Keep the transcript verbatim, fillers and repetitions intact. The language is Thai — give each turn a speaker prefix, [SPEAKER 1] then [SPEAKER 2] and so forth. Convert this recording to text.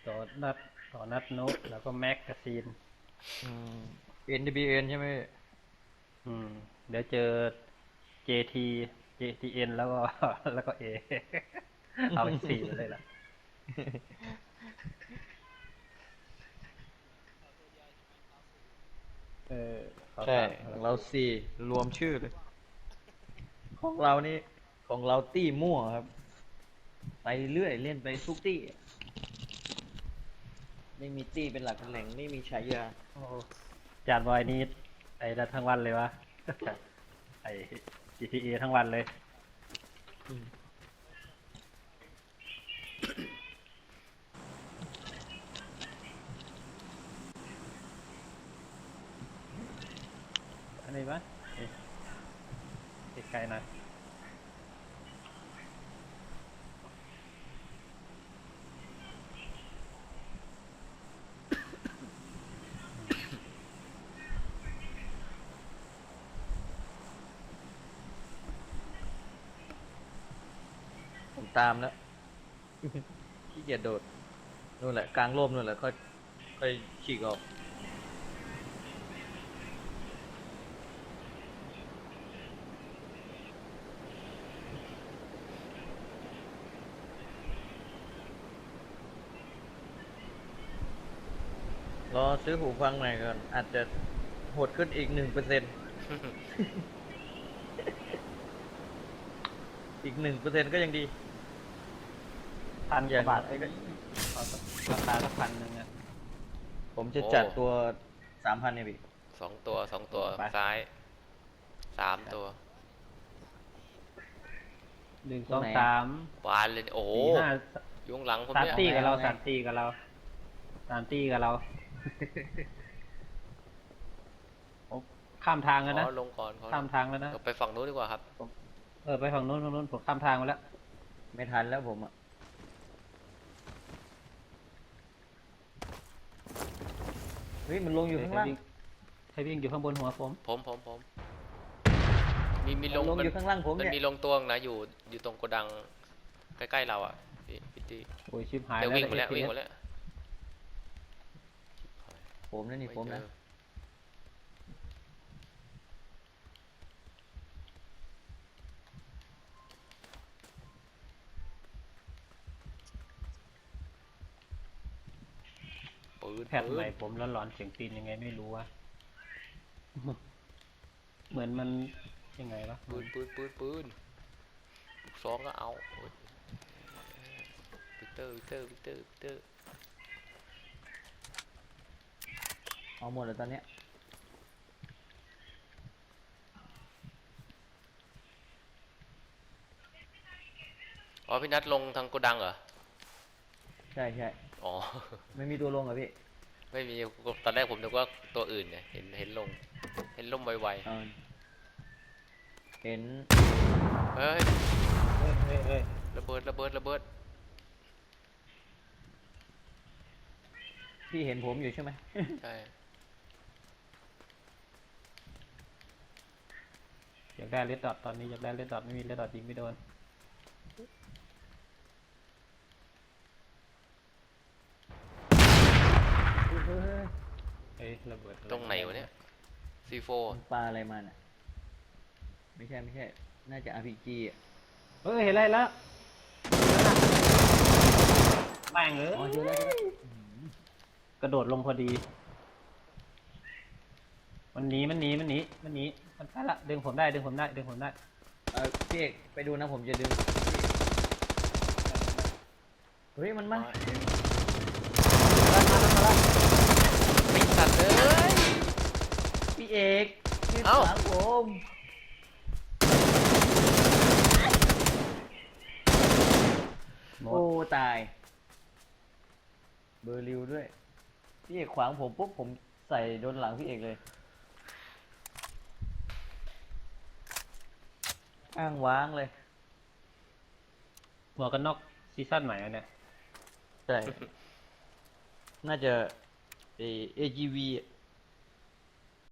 [SPEAKER 1] ต่อนัดต่อนัดโน้ตแล้วก็แม็กกาซีน
[SPEAKER 2] อืม เอ็น ดี บี เอ็น ใช่ไหมพี่
[SPEAKER 1] อืมเดี๋ยวเจอ เจ ที เจ ที เอ็น แล้วก็แล้วก็ A เอาไปสี่ไปเลยล่ะเออเขา
[SPEAKER 2] ใช่
[SPEAKER 1] สาม
[SPEAKER 2] ของเราสี่รวมชื่อเลย ของเรานี่ของเราตี้มั่วครับ ไปเรื่อยเล่นไปทุกตี้ไม่มีตี้เป็นหลักเป็นแหล่งไม่มีฉายา
[SPEAKER 1] โอ้จานบอยนี่ไอ้นั่นทั้งวันเลยวะไอ้ จี ที เอ ทั้งวันเลย
[SPEAKER 2] อืม
[SPEAKER 1] อันนี้ปะเอ๊ะไกลๆหน่อย
[SPEAKER 2] ผมตามแล้วขี้เกียจโดดนู่นแหละกลางร่มนู่นแหละค่อยค่อยฉีกออกรอซื้อหูฟังใหม่ก่อนอาจจะโหดขึ้นอีกหนึ่งเปอร์เซ็นต์อีกหนึ่งเปอร์เซ็นต์ก็ยังดี
[SPEAKER 1] พันก
[SPEAKER 2] อย่าง
[SPEAKER 1] ว่าบาทไอ้ก็เอาสักราคาสักพันหนึ่งอ่ะ
[SPEAKER 2] ผมจะ
[SPEAKER 3] โอ้
[SPEAKER 2] จัดตัวสามพันเนี่ยพี่
[SPEAKER 3] สองตัวสองตัว
[SPEAKER 1] ไป
[SPEAKER 3] ซ้ายสามตัว
[SPEAKER 1] หนึ่งส
[SPEAKER 2] ตรงไหน
[SPEAKER 1] องสาม
[SPEAKER 3] บานเลยโอ้โห
[SPEAKER 1] สี่ห้า
[SPEAKER 3] อยุงหลังผม
[SPEAKER 1] สาม
[SPEAKER 3] เนี่ย
[SPEAKER 1] ตีกับเรา
[SPEAKER 2] เอาไง
[SPEAKER 1] สามตีกับเราสามตีกับเราผมข้ามทางแล้วนะ
[SPEAKER 3] ขอลงก่อนขอ
[SPEAKER 1] ข้ามทางแล้วนะ
[SPEAKER 3] เราไปฝั่งนู้นดีกว่าครับ
[SPEAKER 1] เออไปฝั่งนู้นฝั่งนู้นผมข้ามทางมาแล้ว
[SPEAKER 2] ไม่ทันแล้วผมอ่ะเฮ้ยมันลงอยู่ข้างล่าง
[SPEAKER 1] ใครวิ่งอยู่ข้างบนหัวผม
[SPEAKER 3] ผมผมผมมีมีล
[SPEAKER 2] มัน
[SPEAKER 3] ง
[SPEAKER 2] ลงอยู่ข้างล่างผม
[SPEAKER 3] มัน
[SPEAKER 2] เนี่ย
[SPEAKER 3] มีลงตัวนะอยู่อยู่ตรงโกดังใกล้ๆเราอ่ะพี่พี่ตี
[SPEAKER 1] โอ้ยชิบหาย
[SPEAKER 3] เดี๋ยว
[SPEAKER 1] แล้ว
[SPEAKER 3] วิ่งมาแล้ว
[SPEAKER 1] เอ
[SPEAKER 3] วิ่ง
[SPEAKER 1] ส
[SPEAKER 3] มาแล้ว
[SPEAKER 2] ผมนะนี่ผมนะ
[SPEAKER 3] ปืน
[SPEAKER 1] แพทย์
[SPEAKER 3] ปื
[SPEAKER 1] ใหม่
[SPEAKER 3] น
[SPEAKER 1] ผมร้อนร้อนเสียงตีนยังไงไม่รู้วะเหมือนมันยังไงวะ
[SPEAKER 3] ปืนปืนปืนปืนลูกซองก็เอาโอ้ยวิกเตอร์วิกเตอร์วิกเตอร์วิกเตอร์
[SPEAKER 2] เอาหมดแล้วตอนเนี้ย
[SPEAKER 3] อ๋อพี่นัทลงทางโกดังเหรอ
[SPEAKER 2] ใช่ใช่
[SPEAKER 3] อ๋อ
[SPEAKER 2] ไม่มีตัวลงเหรอพี่
[SPEAKER 3] ไม่มีตอนแรกผมนึกว่าตัวอื่นเนี่ยเห็นเห็นลงเห็นลมไว
[SPEAKER 2] เออเห็น
[SPEAKER 3] ๆเฮ้ย
[SPEAKER 1] เฮ้ยเฮ้ยเฮ้ย
[SPEAKER 3] ระเบิดระเบิดระเบิด
[SPEAKER 2] พี่เห็นผมอยู่ใช่ไหม
[SPEAKER 3] ใช่
[SPEAKER 1] อยากได้เลดดอทตอนนี้อยากได้เลดดอทไม่มีเลดดอทยิงไม่โดน
[SPEAKER 2] เฮ้ย
[SPEAKER 1] เอ้ยระเบิดอะ
[SPEAKER 3] ตรงไหนวะเนี่ยซีโฟ
[SPEAKER 2] มันปลาอะไรมาน่ะไม่ใช่ไม่ใช่ น่าจะ อาร์ พี จี อ่ะ
[SPEAKER 1] เฮ้ยเห็นอะไรแล้วแม่งเอ้
[SPEAKER 2] อ๋อเจอแล้วเจอแล้ว
[SPEAKER 1] ยกระโดดลงพอดี มันหนีมันหนีมันหนีมันหนีมันไปละดึงผมได้ดึงผมได้ดึงผมได้
[SPEAKER 2] เออพี่เอกไปดูนะผมจะดึงเฮ้ยมันมา
[SPEAKER 3] ไม่สัตว์เลย
[SPEAKER 2] พี่เอกพี่
[SPEAKER 3] เอ้า
[SPEAKER 2] ขวางผม
[SPEAKER 1] หม
[SPEAKER 2] โอ้
[SPEAKER 1] ด
[SPEAKER 2] ตาย เบอร์ริวด้วย พี่เอกขวางผมปุ๊บผมใส่โดนหลังพี่เอกเลย อ้างว้างเลย
[SPEAKER 1] หมวกกันน็อกซีซั่นใหม่อันเนี่ย
[SPEAKER 2] ใช่ น่าจะเอ เอ จี วี อะ